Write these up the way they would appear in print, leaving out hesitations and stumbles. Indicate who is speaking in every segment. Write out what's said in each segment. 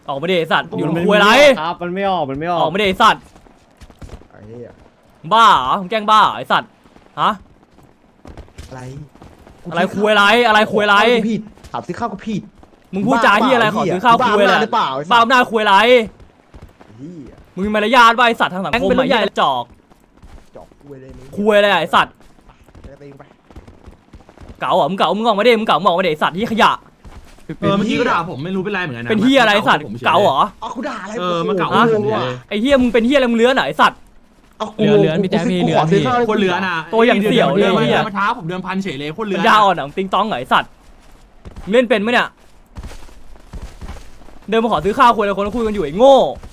Speaker 1: ออกมาดิไอ้สัตว์อยู่คุยอะไร
Speaker 2: ครับมันไม่ออก
Speaker 1: ออกมาดิไอ้สัตว์
Speaker 3: ไอ้เหี้ย
Speaker 1: บ้าเหรอมึงแกล้งบ้าไอ้สัตว์ฮะ
Speaker 3: อะไร
Speaker 1: อะไรคุยอะไรอะไรคุยอะไร
Speaker 3: ผิดถามซื้อข้าวก็ผิด
Speaker 1: มึงพูดจาที่อะไรขอซื้อข้าวคุยอะไร
Speaker 3: หรือเปล่า
Speaker 1: บ้าหน้าคุยอะไร
Speaker 3: เหี้ย
Speaker 1: มึงมีมารยาทป่ะไอ้สัตว์ทางสังคมใหญ่จอก
Speaker 3: จอกคุยเลยมึง
Speaker 1: คุยอะไรไอ้สัตว์
Speaker 3: จะตีไป
Speaker 1: เก๋าเหรอมึงเก๋ามึงออกมาดิมึงเก๋ามึงออกมาดิไอ้สัตว์ที่ขยะ
Speaker 4: เมื่อกี้ก็ด่าผมไม่รู้เป็นไรเหมือนกันนะ
Speaker 1: เป็นที่อะไรไอ้สัตว์เก๋าเหรอ
Speaker 3: เอากูด่าอะไร
Speaker 4: มาเก่า
Speaker 1: ไอ้เฮียมึงเป็นเฮียอะไรมึงเลื้อนเหรอไอ้สัตว์
Speaker 2: เรือนพี่แจ๊คพี่เรือนพี่
Speaker 4: คนเหลือน่ะมาท้าผมเดิมพันเฉยเลยคนเหลื
Speaker 1: ปั
Speaker 4: อ
Speaker 1: ญญาอ่อนเหรอติงต้องเหรอไอ้สัตว์มึงเล่นเป็นไหมเนี่ยเดินมาขอซื้อข้าวคุยแล้วคนคุยกันอยู่ไอ้โง่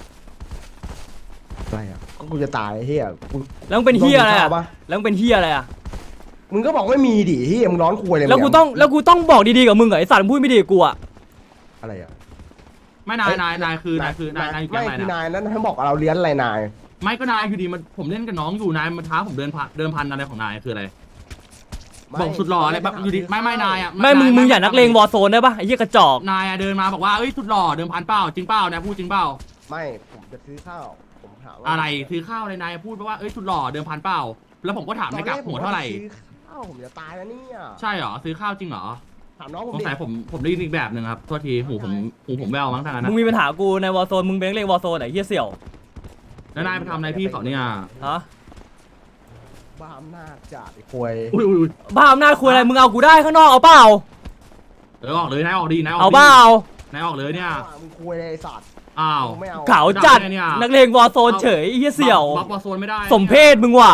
Speaker 3: อะไรอ่ะกูจะตายเฮีย
Speaker 1: แล้วมึงเป็นเฮียอะไรอ่ะแล้วมึงเป็นเฮียอะไรอ่ะ
Speaker 3: มึงก็บอกไม่มีดิเฮียมึงร้อนคุยเลย
Speaker 1: แล้วกูต้องบอกดีๆกับมึงเหรอไอ้สัตว์มึงพูดไม่ดีกับกูอ่ะ
Speaker 3: อะไรอ่ะ
Speaker 4: ไม่นายคือนายอยู่
Speaker 3: ไม่
Speaker 4: แก๊ง
Speaker 3: คื
Speaker 4: ไหน
Speaker 3: อนายนั้นให้บอกเราเลี้ยนอะไรนาย
Speaker 4: ไม่ก็นายอยู่ดีมันผมเล่นกับน้องอยู่นายมาท้าผมเดิมพันอะไรของนายคืออะไรบอกสุดหล่ออะไรแบบอยู่ดีไม่นายอ่ะ
Speaker 1: ไม่มึงอย่านักเลงวอร์โซนได้ปะไอ้เหี้ยกระจอก
Speaker 4: นายเดินมาบอกว่าเอ้ยสุดหล่อเดิมพันเปล่าจริงเปล่านายพูดจริงเปล่า
Speaker 3: ไม่ผมจะซื้อข้าวผมถามว่า
Speaker 4: อะไรซื้อข้าวอะไรนายพูดว่าเอ้ยสุดหล่อเดิมพันเปล่าแล้วผมก็ถามในกับหัวเท่าไหร่
Speaker 3: ซื้อข้าวผมจะตายแล้วเนี่ย
Speaker 4: ใช่เหรอซื้อข้าวจริงเหรอ
Speaker 3: ถามน้องผม
Speaker 4: สง
Speaker 3: ดิ
Speaker 4: สัยผมได้ยินอีกแบบหนึ่งครับโทษทีหูผมแววมั้งทางนั้น
Speaker 1: มึงมีปัญหากูในวอร์โซนมึงเป็นนักเลงวอร์โซนไหนเหี้ยเสี่ยว
Speaker 4: แล้วนายไปทำอะไรพี่เขาเนี่ย
Speaker 1: ฮะ
Speaker 3: บ้าอำนาจจัดไอ้ควย
Speaker 4: อุ้ย
Speaker 1: บ้าอำนาจคุยอะไรมึงเอากูได้ข้างนอกเอาเปล่า
Speaker 4: ออกเลยนายออกดีนายออก
Speaker 1: เอาเปล่าน
Speaker 4: ายออกเลยเนี่ย
Speaker 3: มึงควยเลยไอ้สัตว์
Speaker 4: อ้าว
Speaker 3: ไม่เอา
Speaker 1: เก๋าจัดนักเลงวอร์โซนเฉยไอ้เหี้ยเสี่ยว
Speaker 4: บัฟบอลโซนไม่ได้
Speaker 1: สมเพศมึงว่ะ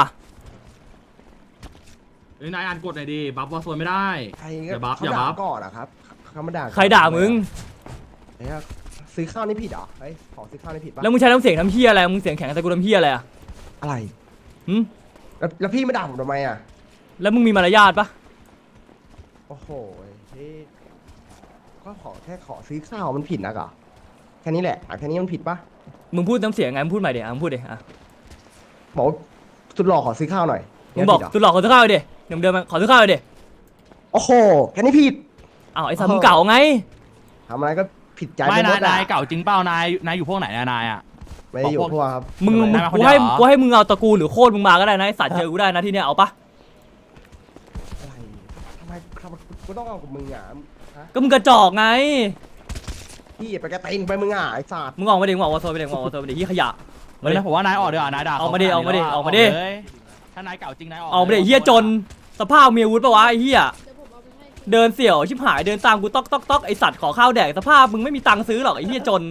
Speaker 4: นายอ่านกฎหน่อยดิบัฟบอลโซนไม่ได้
Speaker 3: ใคร
Speaker 4: อย่าบัฟ
Speaker 3: เขา
Speaker 4: อย่า
Speaker 3: ด่า
Speaker 4: บัฟ
Speaker 3: ก่อนอะครับเขามาด่า
Speaker 1: ใครด่ามึง
Speaker 3: เฮ้ยซื้อข้าวนี่ผิดเหรอเฮ้ยขอซื้อข้าวนี่ผิดปะ
Speaker 1: แล้วมึงใช้น้ำเสียงทำเหี้ยอะไรมึงเสียงแข็งแต่กูทำเหี้ยอะไรอ่ะ
Speaker 3: อะไร
Speaker 1: หึ
Speaker 3: แล้วพี่มาด่าผมทำไมอะ
Speaker 1: แล้วมึงมีมารยาทปะ
Speaker 3: โอ้โหเฮ้ยก็ขอซื้อข้าวมันผิดนะกะแค่นี้แหละแค่นี้มันผิดปะ
Speaker 1: มึงพูดน้ำเสียงไงมึงพูดใหม่ดิมึงพูดดิอ่ะ
Speaker 3: บอกว่าสุดหล่อขอซื้อข้าวหน่อย
Speaker 1: มึงบอก
Speaker 3: เนี่ยผิดเหร
Speaker 1: ตุลหลอกขอซื้อข้าวดิเดิมๆขอซื้อข้าวดิ
Speaker 3: โอ้โหแค่นี้ผิด
Speaker 1: อ้าวไอ้สัตว์มึงเก่าไง
Speaker 3: ทำอะไรก็ผิดใจ
Speaker 4: ไม่
Speaker 3: ปหดอะ
Speaker 4: นายเก่าจริงเปล่านายอยู่พวกไหนนายอ่ะ
Speaker 3: ไม่ได้อยู่พวกครับ
Speaker 1: มึง
Speaker 4: ทำไมนายมาคน
Speaker 1: กู
Speaker 4: เดียว
Speaker 1: ให้
Speaker 4: เหรอ
Speaker 1: กูให้มึงเอาตระกูลหรือโคตรมึงมาก็ได้นะไอ้สัตว์เจอกูได้นะที่เนี้ยเอาปะ
Speaker 3: อะไรทำไมกูต้องเอากับมึงอ่ะฮะ
Speaker 1: ก็มึงกระจอกไง
Speaker 3: พี่ไปกระเตงไปมึงอ่ะไอ้สัตว์
Speaker 1: มึงออกมาดิมึงออกมาโซนไปดิมึงออกมาโซนไปดิที่ขยะ
Speaker 4: เฮ้ยนะผมว่านายออกดีกว่านายด่า
Speaker 1: ออกมาดิออกมาดิออกมาดิ
Speaker 4: ถ้านายเก่าจริงนายออก
Speaker 1: ออกมาดิเฮียจนสภาพมีอาวุธปะวะไอ้เฮียเดินเสี่ยวชิบหายเดินตามกูต๊อกไอ้สัตว์ขอข้าวแดกสภาพมึงไม่มีตังค์ซื้อหรอกไอ้เฮียจน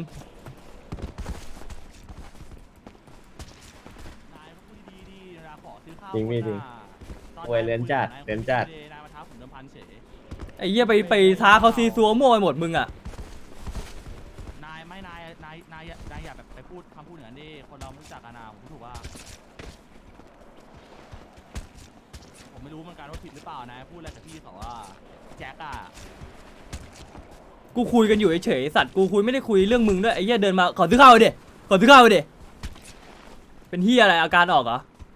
Speaker 2: จริงพี่จริง โวยเรียนจัด
Speaker 4: นายมาท้าผมเดิมพันเฉย
Speaker 1: ไอ้เฮียไปท้าเขาซีซัวมั่วไปหมดมึงอะ
Speaker 4: นายอย่าแบบไปพูดคำพูดอย่างนั้นดิคนเราไม่รู้จักกันนะผมพูดถูกว่าผมไม่รู้เหมือนกันว่าผิดหรือเปล่านายพูดอะไรกับพี่เขาว่าแจ็คอะ
Speaker 1: กูคุยกันอยู่เฉยๆสัตว์กูคุยไม่ได้คุยเรื่องมึงด้วยไอ้เฮียเดินมาขอซื้อข้าวดิขอซื้อข้าวดิเป็นเฮียอะไรอาการออกเหรอ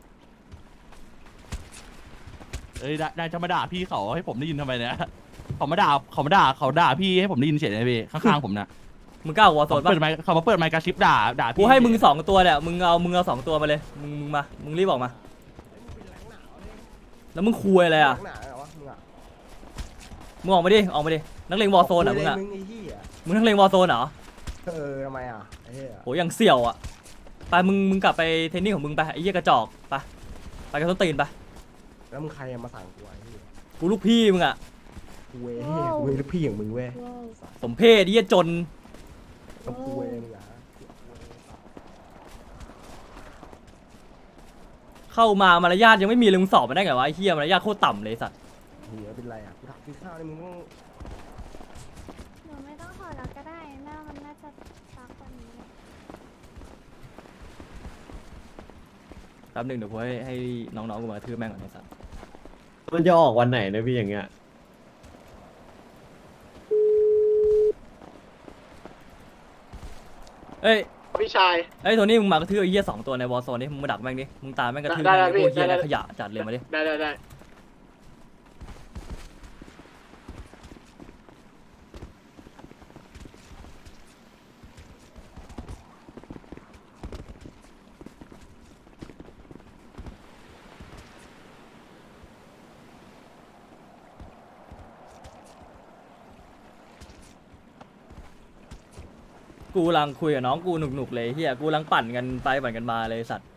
Speaker 4: เอ้ยนายจะมาด่าพี่เขาให้ผมได้ยินทำไมเนี่ยเขาด่าพี่ให้ผมได้ยินเฉยเลยพี่ข้างๆผมนะ
Speaker 1: มึงกล้าวอร์โซนปะ
Speaker 4: เขามาเปิดไมค์กระชิบด่าพี่
Speaker 1: กูให้มึง2 ตัวเนี่ยมึงเอา2 ตัวมาเลยมึงมามึงรีบออกมาแล้วมึงคุยอะไรอ่ะ
Speaker 3: หนาเหรอวะมึงอ่ะ
Speaker 1: มึงออกมาดินักเลงวอร์โซนอ่ะมึงอ่ะ
Speaker 3: มึงไอ้เหี้ย
Speaker 1: มึงนักเลงวอร์โซนเหรอ
Speaker 3: ทำไมอ่ะไอ้เหี้ย
Speaker 1: โหอย่างเสี่ยวอ่ะไปมึงกลับไปเทรนนิ่งของมึงไปไอ้เหี้ยกระจอกไปกันต้นตีนไป
Speaker 3: แล้วมึงใครมาสั่งกูไอ้เหี้ย
Speaker 1: กูลูกพี่มึงอ่ะ
Speaker 3: กูเว้ยกูลูกพี่อย่างมึงเว้ย
Speaker 1: สมเพศไอ้เหี้ยจน
Speaker 3: กับกูเว้ยมึงอ่ะ
Speaker 1: เข้ามามารยาทยังไม่มีเลยมึงสอบมาได้ไงวะไอ้เหี้ยมารยาทโคตรต่ำเลยสัตว์
Speaker 3: เหี้ยเป็นไรอ่ะกูถามซื้อข้าวนี่มึงต้อง
Speaker 5: หนูไม่ต้องถอดแล้วก็ได้หน้ามันน่าจะซักกว่านี้
Speaker 1: แป๊บนึงเดี๋ยวกูให้น้องๆกูมากระทืบแม่งก่อนไอ้สัตว์
Speaker 2: มันจะออกวันไหนนะพี่อย่างเงี้ย
Speaker 1: เอ้ย
Speaker 6: พี่ชาย
Speaker 1: ไอ้โทนี่มึงมากระทืบไอ้เหี้ย2 ตัวในวอร์โซนนี่มึงมาดักแม่งดิมึงตามแม่งกระทืบ
Speaker 6: ได้
Speaker 1: แม่ง
Speaker 6: พี่
Speaker 1: พวกเหี้ย
Speaker 6: ได้
Speaker 1: อะไรขยะจัดเลยมาดิ
Speaker 6: ได้
Speaker 1: กูกำลังคุยกับน้องกูหนุกๆเลยเฮียกูกำลังปั่นกันไปปั่นกันมาเลยสัตว์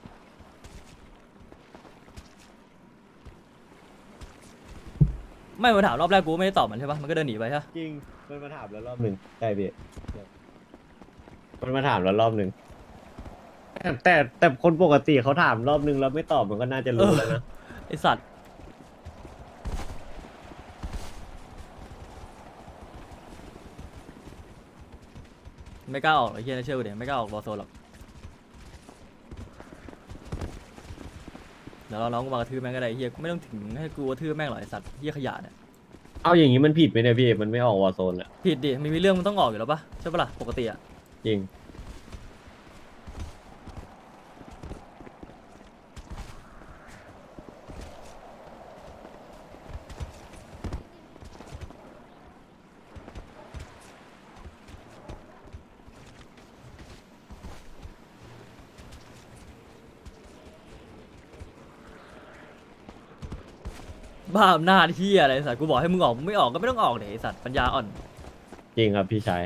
Speaker 1: ไม่มาถามรอบแรกกูไม่ได้ตอบมันใช่ปะมันก็เดินหนีไปใช่ปะ
Speaker 2: จริงมันมาถามแล้วรอบหนึ่งใช่พี่มันมาถามแล้วรอบหนึ่งแต่คนปกติเขาถามรอบหนึ่งแล้วไม่ตอบมันก็น่าจะรู้แล้วนะ
Speaker 1: ไอสัตว์ไม่กล้าออกไอ้เฮียนะเชื่อกูเดี๋ยวไม่กล้าออกวอร์โซนหรอกเดี๋ยวเราน้องกูมากระทืบแม่งก็ได้ไอ้เฮียกูไม่ต้องถึงให้กูกระทืบแม่งหรอกไอสัตว์เฮียขยะเนี่ย
Speaker 2: เอาอย่างนี้มันผิดไหมเนี่ยพี่มันไม่ออกวอร์โซนอะ
Speaker 1: ผิดดิมันมีเรื่องมันต้องออกอยู่แล้วปะใช่ปะล่ะปกติอะ
Speaker 2: จริง
Speaker 1: บ้าอำนาจเฮียอะไรไอ้สัตว์กูบอกให้มึงออกมึงไม่ออกก็ไม่ต้องออกเดี๋ยวไอสัตว์ปัญญาอ่อน
Speaker 2: จริงครับพี่ชาย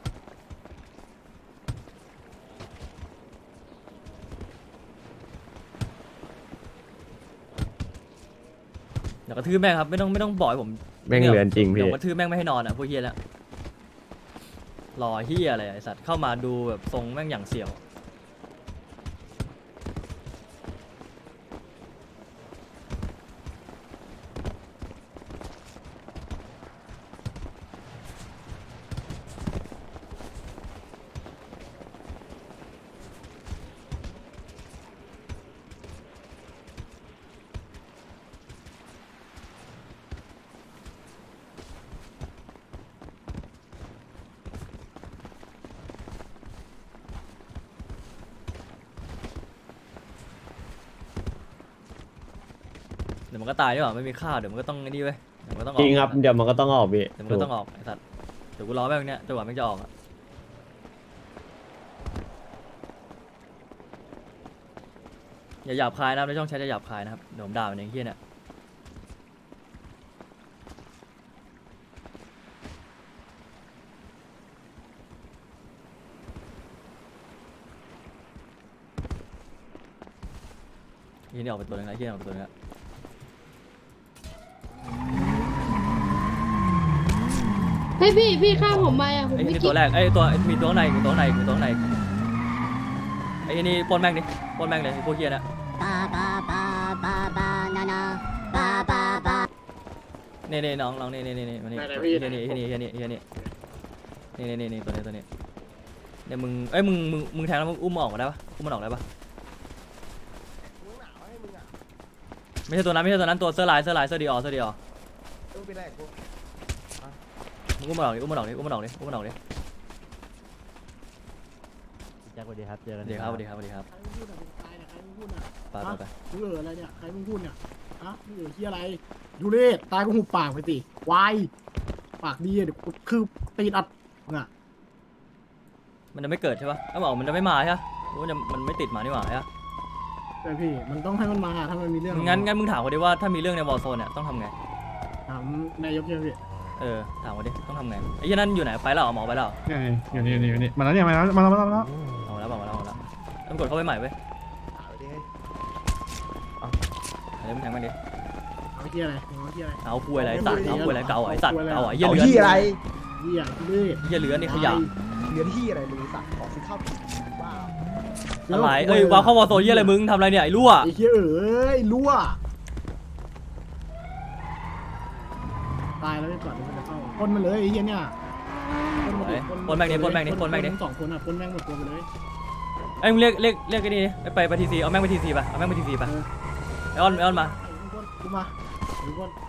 Speaker 1: เดี๋ยวกระทืบแม่งครับไม่ต้องบอกให้ผม
Speaker 2: แม่งเลือนจริงพี่
Speaker 1: เดี๋ยวกระทืบแม่งไม่ให้นอนอ่ะพวกเฮียแล้วรอเฮียอะไรไอสัตว์เข้ามาดูแบบทรงแม่งอย่างเสี่ยวเดี๋ยวมันก็ตายดีกว่าไม่มีค่าเดี๋ยวมันก็ต้องไอ้นี่เว้ยเดี๋ยวมันก็ต้องออก
Speaker 2: จริงครับเดี๋ยวมันก็ต้องออกพี่
Speaker 1: เดี๋ยวมันก็ต้องออกไอสัตว์เดี๋ยวกูรอแม่งเนี้ยจนกว่าแม่งจะออกอะอย่าหยาบคายนะครับในช่องแชทจะหยาบคายนะครับเดี๋ยวผมด่ามันเองเฮียเนี่ยเฮียนี่ออกไปตัวนึงแล้วเฮียออกไปตัวนึงแล้ว
Speaker 6: เฮ้ยพี่ฆ่าผมไปอ่ะผม
Speaker 1: ไอ้
Speaker 6: ไม่
Speaker 1: นี่
Speaker 6: คิ
Speaker 1: ตั
Speaker 6: ด
Speaker 1: วแรกไอ้ตัวมีตัวข้างในมีตัวข้างในมีตัวข้างในไอ้นี่ปล้นแม่งดิปล้นแม่งเลยไอ้พวกเฮียน่ะนี่น้องนี่มานี่เฮียนี่นี่ตัวนี้เนี่ยมึงเอ้ยมึงแทงแล้วมึงอุ้มมันออกมาได้ปะอุ้มมันออกได้ปะไม่ใช่ตัวนั้นตัวเสื้อลายเสื้อดีออมึงอุ้มมันออกดิ
Speaker 7: แจ็คสวัสดีครับ เจอกัน
Speaker 1: สวัสดีครับไป
Speaker 8: ใครมึงพูดอ่ะ
Speaker 1: ไป
Speaker 8: มึงอะไรเนี่ยใครมึงพูดเนี่ยฮะมึงที่อะไรยูเรศตายก็หุบปากไปสิวายปากดีเดี๋ยวคือตีนอัดน่ะ
Speaker 1: มันจะไม่เกิดใช่ปะถ้าบอกมันจะไม่มาใช่ปะมันไม่ติดมานี่หว่าใช่ปะ
Speaker 8: แต่พี่มันต้องให้มันมาถ้ามันมีเรื่อง
Speaker 1: งั้นมึงถามเขาดิว่าถ้ามีเรื่องในวอลโซนเนี่ยต้องทำไง
Speaker 8: ถามนายกยังพี่
Speaker 1: ถามเขาดิต้องทำไงไอ้ยันนั่นอยู่ไหนไปแล้วหมอไปแล้ว
Speaker 8: อยู่นี่มาแล้วเนี่ยมาแล้ว
Speaker 1: เอาแล้วต้องกดเข้าไปใหม่เว้ยเดี๋ยวมึงแทงมันดิ
Speaker 8: เอาที่อะไรเอาที่อะไร
Speaker 1: เอาคุยอะไรสัตว์เอาคุยอะไรเก่าไอ้สัตว์เก่าไอ้เหี้ย
Speaker 3: เอา
Speaker 1: เหลือน
Speaker 3: ที่อะไร
Speaker 8: เหี้ยยูเรศ
Speaker 1: เหี้ยเหลือนนี่ขยะ
Speaker 3: เหลือที่อะไรมึงสัตว์ขอซื้อข้าวบ้า
Speaker 1: อะไรวางเข้าวอลโซนเหี้ยอะไรมึงทำอะไรเนี่ยไอ้รั่ว
Speaker 8: ไอ้เหี้ยเอ้ยรั่วตายแล้วไม่ก่อนมันจะเข้าพ่นมันเลยไอ้เหี้ยเนี่ย
Speaker 1: ปนแม่งดิ
Speaker 8: สองคนอ่ะพ่นแม่งหมดตัวไปเลย
Speaker 1: ไอ้มึงเรียกไอ้นี่ไปทีซีเอาแม่งไปทีซีไปเอาแม่งไปทีซีไปไอออนมา
Speaker 8: กูมา